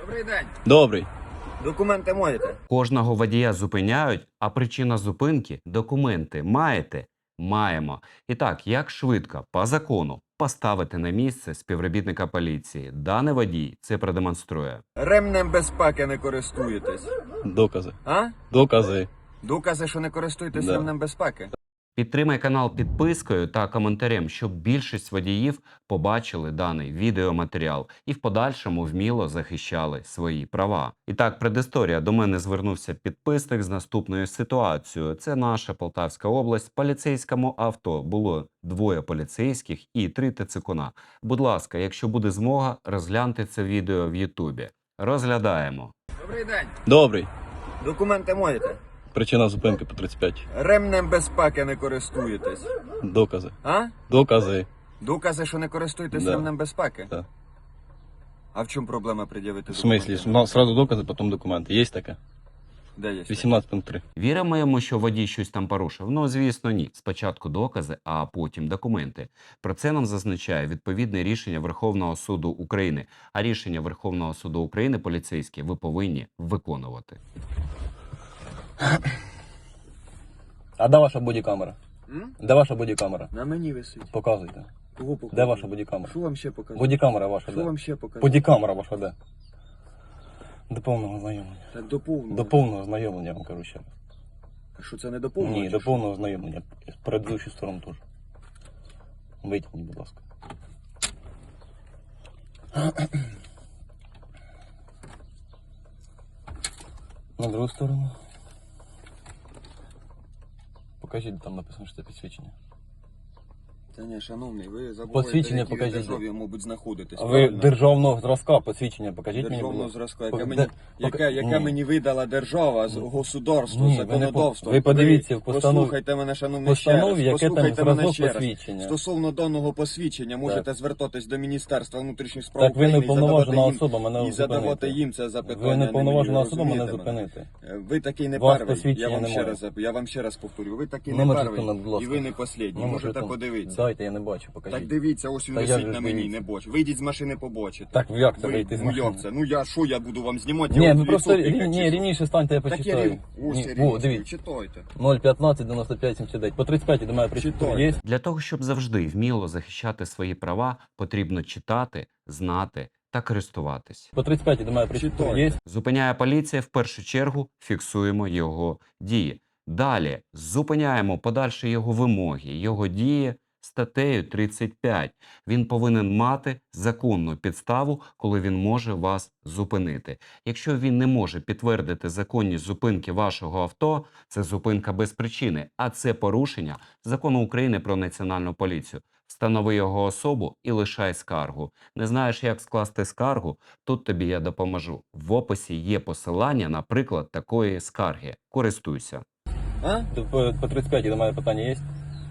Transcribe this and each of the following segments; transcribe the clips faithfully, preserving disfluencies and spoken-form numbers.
Добрий день. Добрий. Документи можете? Кожного водія зупиняють, а причина зупинки – документи. Маєте? Маємо. І так, як швидко, по закону, поставити на місце співробітника поліції? Даний водій це продемонструє. Ремнем безпеки не користуєтесь. Докази. А? Докази. Докази, що не користуєтесь Да. ремнем безпеки? Підтримай канал підпискою та коментарем, щоб більшість водіїв побачили даний відеоматеріал і в подальшому вміло захищали свої права. І так, предісторія. До мене звернувся підписник з наступною ситуацією. Це наша Полтавська область. В поліцейському авто було двоє поліцейських і три ТЦКуна. Будь ласка, якщо буде змога, розгляньте це відео в Ютубі. Розглядаємо. Добрий день. Добрий. Документи можете? Причина зупинки по тридцять п'ять. Ремнем безпеки не користуєтесь. Докази. А? Докази. Докази, що не користуєтесь Да. ремнем безпеки? Да. А в чому проблема пред'явити В смислі? документи? Ну, сразу докази, потім документи. Є таке? Де є? вісімнадцять пункт три. Віримо йому, що водій щось там порушив? Ну, звісно, ні. Спочатку докази, а потім документи. Про це нам зазначає відповідне рішення Верховного суду України. А рішення Верховного суду України поліцейські ви повинні виконувати. А де ваша бодікамера? М? Де ваша бодікамера? На мені висить. Показуйте. Кого показати? Де ваша бодікамера? Що вам ще показати? Бодікамера ваша Що де? вам ще показати? Бодікамера ваша де? До повного знайомлення. Так до повного. До повного знайомлення, я вам кажу ще раз. А що це не до повного? Ні, чи до що? повного знайомлення. Предыдущу сторону теж. Витягніть, будь ласка. На другу сторону. Покажіть, де там написано, що це підсвічення. Та ні, шановний, ви забуваєте, Посвідчення які ви покажіть. державі, мабуть, знаходитесь. А ви правильно? державного зразка посвідчення покажіть мені, будь Державного ласка. зразка, яке, Пок- мені, де- яке, пока- яке Ні. мені видала держава, з- государство, Ні, ви не законодавство. по- ви подивіться в постанові- Послухайте мене, шановний, ще Постанові, раз. яке там Послухайте мене зразок ще раз. посвідчення. Стосовно даного посвідчення, можете звертатись до Міністерства внутрішніх справ Так ви України не і повноважена задавати їм, особа мене і задавати зупинити. їм це запитання. Ви не мені, повноважена особа мене розумієте мене? зупинити. Ви такий не Вас перший, я посвідчення вам, ще немає. раз, я вам ще раз повторю, ви такий не Номер перший, жетона, будь ласка. і ви не послідній, Номер можете жетона. подивитися. Дайте, я не бачу, покажіть. Так дивіться, ось він Та як висить же на ж мені, дивіться? не боч. Вийдіть з машини, побачите. Так як це Ви- вийти з ну машини? як це? Ну я що, я буду вам знімати? Я Ні, вам ви в просто лицо рі- тикати, ні, чи рівніше станьте, я що? Так я почитаю. рів... Ось Ні, я О, рівніше, дивіться. читайте. нуль п'ятнадцять дев'яносто п'ять сімдесят дев'ять. По тридцять п'ять до мене прийшли. Читайте. Є? Для того, щоб завжди вміло захищати свої права, потрібно читати, знати та користуватись. По тридцять п'ять до мене прийшли. Читайте. Є? Зупиняє поліція, в першу чергу фіксуємо його дії. Далі зупиняємо подальші його вимоги, його дії статтею тридцять п'ять. Він повинен мати законну підставу, коли він може вас зупинити. Якщо він не може підтвердити законність зупинки вашого авто, це зупинка без причини, а це порушення Закону України про національну поліцію. Встанови його особу і лишай скаргу. Не знаєш, як скласти скаргу? Тут тобі я допоможу. В описі є посилання на приклад такої скарги. Користуйся. А? По, по тридцять п'ять до мене питання є?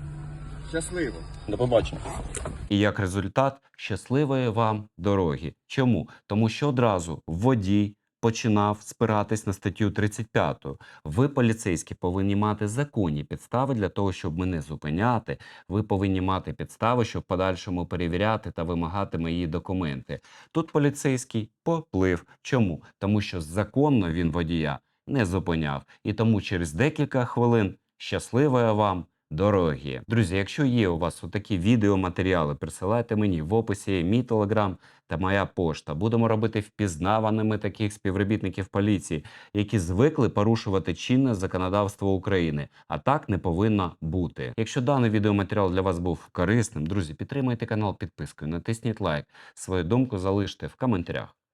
Щасливо. До побачення. І як результат – щасливої вам дороги. Чому? Тому що одразу водій починав спиратись на статтю тридцять п'ять. Ви, поліцейські, повинні мати законні підстави для того, щоб мене зупиняти. Ви повинні мати підстави, щоб в подальшому перевіряти та вимагати мої документи. Тут поліцейський поплив. Чому? Тому що законно він водія не зупиняв. І тому через декілька хвилин щасливої вам дороги. Друзі, якщо є у вас отакі відеоматеріали, присилайте мені в описі є мій телеграм та моя пошта. Будемо робити впізнаваними таких співробітників поліції, які звикли порушувати чинне законодавство України. А так не повинно бути. Якщо даний відеоматеріал для вас був корисним, друзі, підтримайте канал підпискою, натисніть лайк, свою думку залиште в коментарях.